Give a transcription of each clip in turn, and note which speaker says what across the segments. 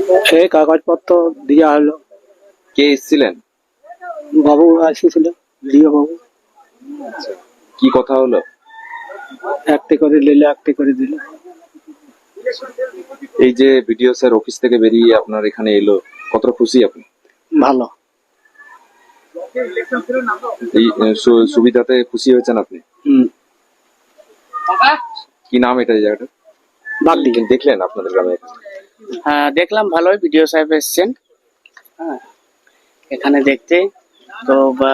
Speaker 1: সেই কাগজপত্র দেওয়া হলো।
Speaker 2: কে এসেছিলেন?
Speaker 1: বাবু এসেছিল, লিও বাবু।
Speaker 2: কি কথা হলো?
Speaker 1: একটি করে নিলে একটি করে দিল।
Speaker 2: এই যে বিডিও স্যার অফিস থেকে বেরিয়ে আপনার এখানে এলো, কতটা খুশি আপনি?
Speaker 1: ভালো।
Speaker 2: এই সুবিধাতে খুশি হয়েছেন আপনি? কি নাম এটা এই জায়গাটা?
Speaker 1: বাগডি।
Speaker 2: দেখলেন আপনাদের গ্রামে?
Speaker 3: হ্যাঁ দেখলাম, ভালোই ভিডিও সাহেব এসছেন হ্যাঁ এখানে দেখতে। তো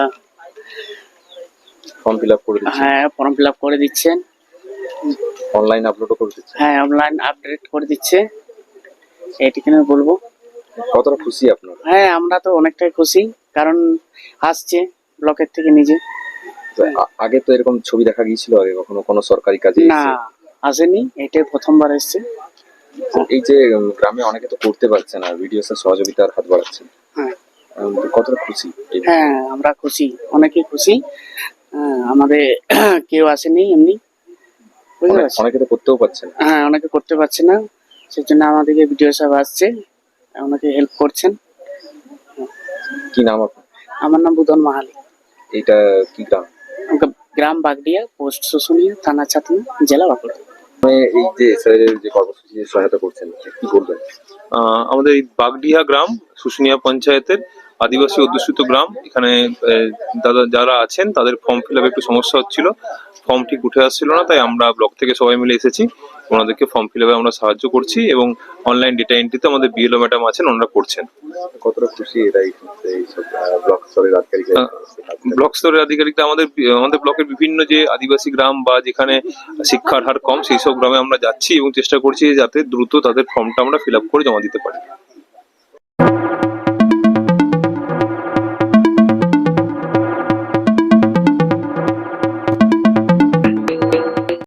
Speaker 2: ফর্ম ফিল আপ করে দিচ্ছেন?
Speaker 3: হ্যাঁ ফর্ম ফিল আপ করে দিচ্ছেন,
Speaker 2: অনলাইন আপলোডও করে দিচ্ছেন?
Speaker 3: হ্যাঁ অনলাইন আপডেট করে দিচ্ছে, এইটুকু বলবো।
Speaker 2: কতটা খুশি আপনারা?
Speaker 3: হ্যাঁ আমরা তো অনেকটাই খুশি, কারণ আসছে ব্লকের থেকে নিজে।
Speaker 2: তো আগে তো এরকম ছবি দেখা গিয়েছিল আগে কখনো কোনো সরকারি কাজে?
Speaker 3: না আসেনি, এটাই প্রথমবার এসছে।
Speaker 2: এই যে গ্রামে অনেকে তো করতে পারছে না, ভিডিও স্যার সহযোগিতার হাত বাড়াচ্ছেন,
Speaker 3: হ্যাঁ
Speaker 2: কতটা খুশি?
Speaker 3: হ্যাঁ আমরা খুশি, অনেকেই খুশি। আমাদের কেউ আসেনি এমনি, বুঝতে পারছি।
Speaker 2: অনেকে তো করতেও পারছে না।
Speaker 3: হ্যাঁ অনেকে করতে পারছে না, সেই জন্য আমাদেরকে ভিডিও সাহেব আসছে, ওনাকে হেল্প করছেন।
Speaker 2: কি নাম আপনার?
Speaker 3: আমার নাম বুধন মাহালি।
Speaker 2: এটা কি গ্রাম?
Speaker 3: গ্রাম বাগডিয়া, পোস্ট শুশুনিয়া, থানা ছাতনা, জেলা বাঁকুড়া।
Speaker 2: এই যে স্যারের যে কর্মসূচি সহায়তা করছেন, কি বলবেন?
Speaker 4: আমাদের এই বাগডিহা গ্রাম শুশুনিয়া পঞ্চায়েতের আদিবাসী অধ্যুষিত গ্রাম। এখানে দাদা যারা আছেন তাদের ফর্ম ফিল আপে একটু সমস্যা হচ্ছিল, ফর্ম ঠিক উঠে আসছিল না, তাই আমরা ব্লক থেকে সবাই মিলে এসেছি, ওনাদেরকে ফর্ম ফিল আপে আমরা সাহায্য করছি এবং অনলাইন ডেটা এন্ট্রিতে আমাদের বিএলও ম্যাডাম আছেন, ওনারা করছেন।
Speaker 2: কতটা খুশি এটাই ব্লক স্তরের আধিকারিক?
Speaker 4: ব্লক স্তরের আধিকারিকরা আমাদের ব্লকের বিভিন্ন যে আদিবাসী গ্রাম বা যেখানে শিক্ষার হার কম সেই সব গ্রামে আমরা যাচ্ছি এবং চেষ্টা করছি যাতে দ্রুত তাদের ফর্মটা আমরা ফিল আপ করে জমা দিতে পারি।